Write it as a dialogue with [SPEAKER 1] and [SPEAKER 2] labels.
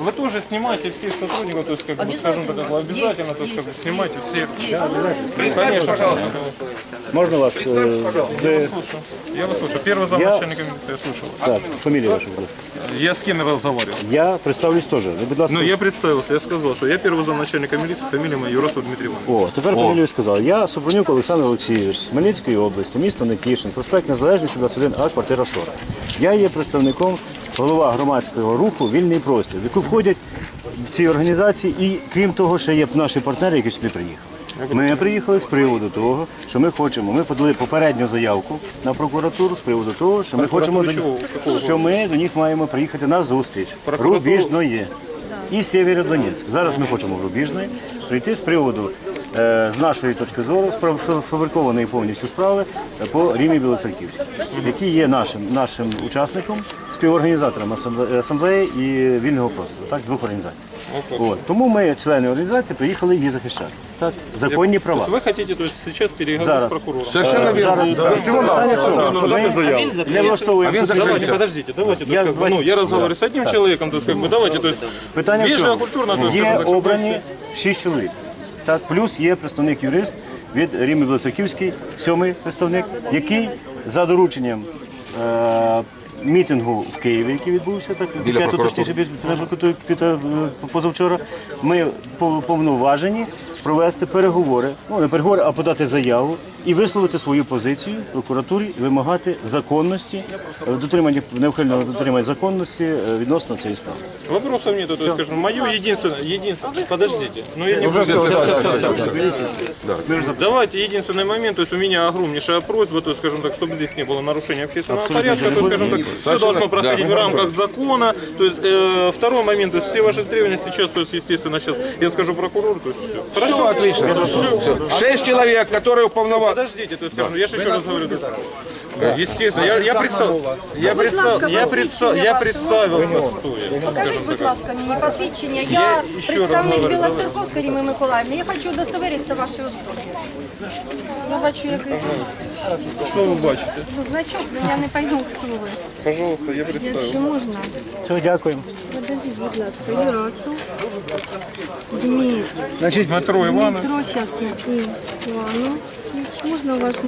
[SPEAKER 1] вы тоже снимаете всех сотрудников, то есть, как бы, скажем так, как бы, обязательно, то есть, как бы, снимайте всех.
[SPEAKER 2] Представьте, пожалуйста.
[SPEAKER 3] Можно вас?
[SPEAKER 1] Я вас слушаю. Первый замначальника милиции я слушал.
[SPEAKER 3] Так, фамилия ваша, будь ласка.
[SPEAKER 1] Я с кем разговаривал?
[SPEAKER 3] Я представлюсь теж. Ви, будь ласка.
[SPEAKER 1] Ну, я представился, я сказал, что я первый замначальника милиции, фамилия моя Юрасов Дмитрий Иванович.
[SPEAKER 3] О, тепер фамілію сказав. Я Супрунюк Олександр Олексійович з Хмельницької області, місто Нетішин, проспект Незалежності 21А, квартира 40. Я є представником, голова громадського руху «Вільний простір», в яку входять ці організації і, крім того, ще є наші партнери, які сюди приїхали. Ми приїхали з приводу того, що ми хочемо, ми подали попередню заявку на прокуратуру з приводу того, що ми хочемо, що ми до них маємо приїхати на зустріч Рубіжної і Сєвєродонецьк. Зараз ми хочемо в Рубіжної прийти з приводу, з нашої точки зору, сфабрикованої повністю справи по Римі Білоцерківській, який є нашим учасником, співорганізатором асамблеї і вільного простору, так, двох організацій. От. Тому ми, члени організації, приїхали її захищати. Так, законні права.
[SPEAKER 1] То есть вы хотите, то есть, сейчас переговорить с прокурором?
[SPEAKER 2] Совершенно верно.
[SPEAKER 3] Не влаштовуємо.
[SPEAKER 1] Давайте, подождите, давайте, то есть, как бы, ну, я разговариваю с одним человеком, то есть, как бы, давайте, то есть,
[SPEAKER 3] Питання в
[SPEAKER 1] вежливо,
[SPEAKER 3] чому?
[SPEAKER 1] культурно, то есть,
[SPEAKER 3] Є
[SPEAKER 1] скажем так, щоб
[SPEAKER 3] обрані 6 чоловік. Так, плюс є представник-юрист від Рими Білоцерківської, 7-й представник, який за дорученням мітингу в Києві, який відбувся, так, точніше, позавчора, ми повноважені провести переговори, ну не переговори, а подати заяву і висловити свою позицію в прокуратурі і вимагати законності, неухильного дотримання законності відносно цієї справи.
[SPEAKER 1] Вопросов нету, то есть, скажем, мое единственное, подождите, но я не Давайте, единственный момент, то есть у меня огромнейшая просьба, то есть, скажем так, чтобы здесь не было нарушения общественного порядка, то есть, скажем так, все должно проходить в рамках закона, то есть, второй момент, то есть, все ваши требования сейчас, то есть, естественно, сейчас я скажу прокурору, то есть, все. Хорошо?
[SPEAKER 2] Все отлично. Все. 6 человек, которые уполноважены.
[SPEAKER 1] Подождите, то есть, скажем, я же еще раз говорю, естественно, я представился, кто я.
[SPEAKER 4] Покажіть, будь ласка, мені посвідчення. Я представник Білоцерковської Ріми Миколаївни. Я хочу удостоверитися вашої особи. Я бачу якийсь
[SPEAKER 1] Что вы бачите?
[SPEAKER 4] значок, але я не пойму, хто ви.
[SPEAKER 1] Пожалуйста, я представился.
[SPEAKER 4] Якщо можна.
[SPEAKER 3] Все, дякуємо.
[SPEAKER 4] Подождіть, будь ласка, Юрасов. Дмитро.
[SPEAKER 3] Значить,
[SPEAKER 1] Дмитро Иванович.
[SPEAKER 4] Дмитро, зараз я. Іванович. Можна ваш